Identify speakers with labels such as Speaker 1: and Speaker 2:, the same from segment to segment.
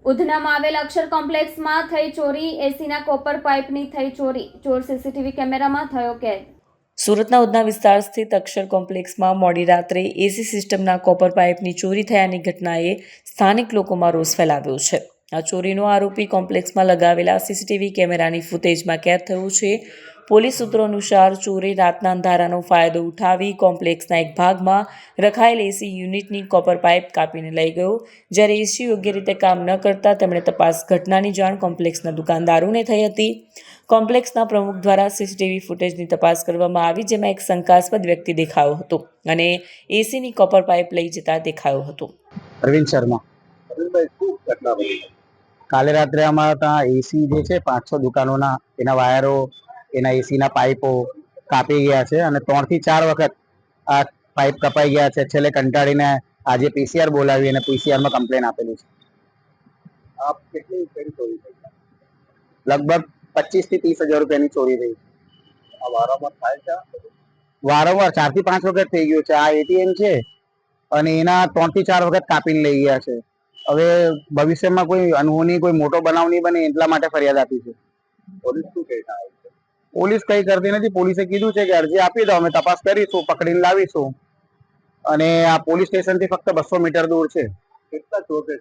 Speaker 1: ઉધનામાં આવેલ અક્ષર કોમ્પ્લેક્સમાં થઈ ચોરી, એસીના કોપર પાઇપની થઈ ચોરી, ચોર સીસીટીવી કેમેરામાં થયો કેદ.
Speaker 2: સુરતના ઉધના વિસ્તાર સ્થિત અક્ષર કોમ્પ્લેક્સમાં મોડી રાત્રે એસી સિસ્ટમના કોપર પાઇપની ચોરી થયાની ઘટનાએ સ્થાનિક લોકોમાં રોષ ફેલાવ્યો છે. આ ચોરીનો આરોપી કોમ્પ્લેક્સમાં લગાવેલા સીસીટીવી કેમેરાની ફૂટેજમાં કેદ થયો છે. પોલીસ સૂત્રો અનુસાર ચોરે રાતના અંધારાનો ફાયદો ઉઠાવી કોમ્પ્લેક્સના એક ભાગમાં રખાયેલ એસી યુનિટની કોપર પાઇપ કાપીને લઈ ગયો. જ્યારે એસી યોગ્ય રીતે કામ ન કરતા તેમણે ઘટનાની જાણ કોમ્પ્લેક્સના દુકાનદારોને થઈ હતી. કોમ્પ્લેક્સના પ્રમુખ દ્વારા સીસીટીવી ફૂટેજની તપાસ કરવામાં આવી, જેમાં એક શંકાસ્પદ વ્યક્તિ દેખાયો હતો અને એસીની કોપર પાઇપ લઈ જતા દેખાયો હતો.
Speaker 3: અરવિંદ શર્મા.
Speaker 4: અરવિંદભાઈ, શું ઘટના બની?
Speaker 3: કાલે રાત્રે અમારા ત્યાં એસી જે છે 5-6 દુકાનોના એના વાયરો, એના એસીના પાઇપો કાપી ગયા છે અને 3 થી 4 વખત આ પાઇપ કપાઈ ગયા છે. છેલ્લે કંટાળીને આજે પીસીઆર બોલાવી અને પીસીઆરમાં કમ્પ્લેન આપેલી છે.
Speaker 4: આપ કેટલી ચોરી થઈ?
Speaker 3: લગભગ 25 થી 30 હજાર રૂપિયાની ચોરી થઈ.
Speaker 4: આ વારંવાર થાય છે?
Speaker 3: વારંવાર 4 થી 5 વખત થઈ ગયું છે. આ એટીએમ છે અને એના 3 થી 4 વખત કાપીને લઈ ગયા છે. હવે ભવિષ્યમાં કોઈ અનહોની કોઈ મોટો બનાવ નહીં બને એટલા માટે ફરિયાદ આપી છે.
Speaker 4: પોલીસ શું કહેતા હોય છે?
Speaker 3: પોલીસ કઈ કરતી નથી. પોલીસે કીધું છે કે અરજી આપી દો, અમે તપાસ કરીશું, પકડીને લાવીશું. અને આ પોલીસ સ્ટેશન થી ફક્ત 200 મીટર દૂર છે.
Speaker 4: કેટલા ચોર છે?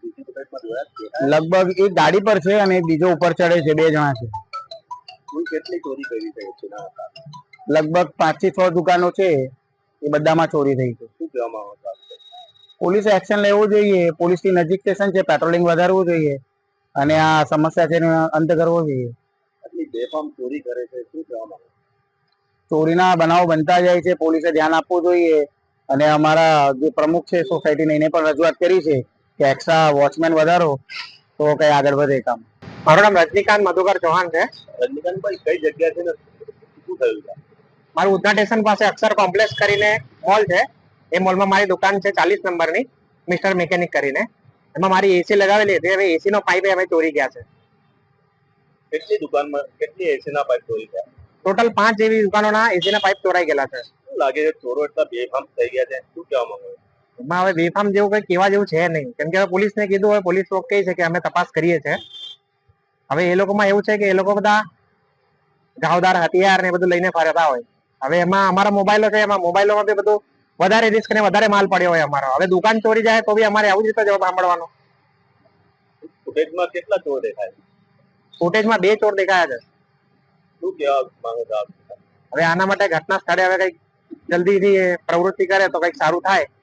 Speaker 3: લગભગ એક ગાડી પર છે અને બીજો ઉપર ચડે છે. 2 જણા છે.
Speaker 4: કુલ કેટલી ચોરી કરી છે?
Speaker 3: લગભગ 5 થી 6 દુકાનો છે, એ બધામાં ચોરી થઈ છે.
Speaker 4: શું કહેવામાં આવે છે?
Speaker 3: પોલીસે એક્શન લેવું જોઈએ. પોલીસથી નજીક સ્ટેશન છે, પેટ્રોલિંગ વધારવું જોઈએ અને આ સમસ્યા છે એનો અંત કરવો જોઈએ.
Speaker 4: આટલી બેફામ ચોરી કરે છે, શું કહેવામાં આવે?
Speaker 3: ચોરીના બનાવો બનતા જાય છે, પોલીસે ધ્યાન આપવું જોઈએ. અને અમારા જે પ્રમુખ છે સોસાયટીને, એને પણ રજૂઆત કરી છે કે એક્સ્ટ્રા વોચમેન વધારો તો કઈ આગળ વધે કામ. મારું નામ રજનીકાંત મધુકર ચૌહાણ છે.
Speaker 4: રજનીકાંતભાઈ, કઈ જગ્યા છે ને શું થયું છે?
Speaker 3: મારું ઉધના સ્ટેશન પાસે અક્ષર કોમ્પ્લેક્સ કરીને મોલ છે. એ મોલમાં મારી દુકાન છે 40 નંબરની, મિસ્ટર મિકેનિક કરીને. એમાં મારી એસી લગાવેલી હતી. હવે એસી નો પાઇપ અમે ચોરી ગયા છે.
Speaker 4: કેટલી દુકાનમાં કેટલી એસીના પાઇપ ચોરી થયા?
Speaker 3: ટોટલ 5 જેવી દુકાનોના એસીના પાઇપ ચોરાઈ ગયેલા છે.
Speaker 4: શું લાગે છે, ચોરો એટલા બેફામ થઈ ગયા છે? શું કહેવામાં આવે?
Speaker 3: એમાં હવે બેફામ જેવું કઈ કહેવા જેવું છે નહીં, કેમ કે હવે પોલીસને કીધું, હવે પોલીસ લોકો કહે છે કે અમે તપાસ કરીએ છીએ. હવે એ લોકોમાં એવું છે કે એ લોકો બધા ઘાવદાર હથિયાર ને બધું લઈને ફરતા હોય. હવે એમાં અમારા મોબાઈલો છે, એમાં મોબાઈલોમાં બી બધું વધારે રિસ્ક ને વધારે માલ પડ્યો હોય અમારો. હવે દુકાન ચોરી જાય તો બી અમારે આવું જ રીતે જવાબ સાંભળવાનો.
Speaker 4: ફૂટેજમાં કેટલા ચોર દેખાય?
Speaker 3: ફૂટેજમાં 2 ચોર દેખાયા છે.
Speaker 4: શું કહેવા માંગો છો આપ?
Speaker 3: હવે આના માટે ઘટના સ્થળે હવે કઈક જલ્દીથી પ્રવૃત્તિ કરે તો કઈક સારું થાય.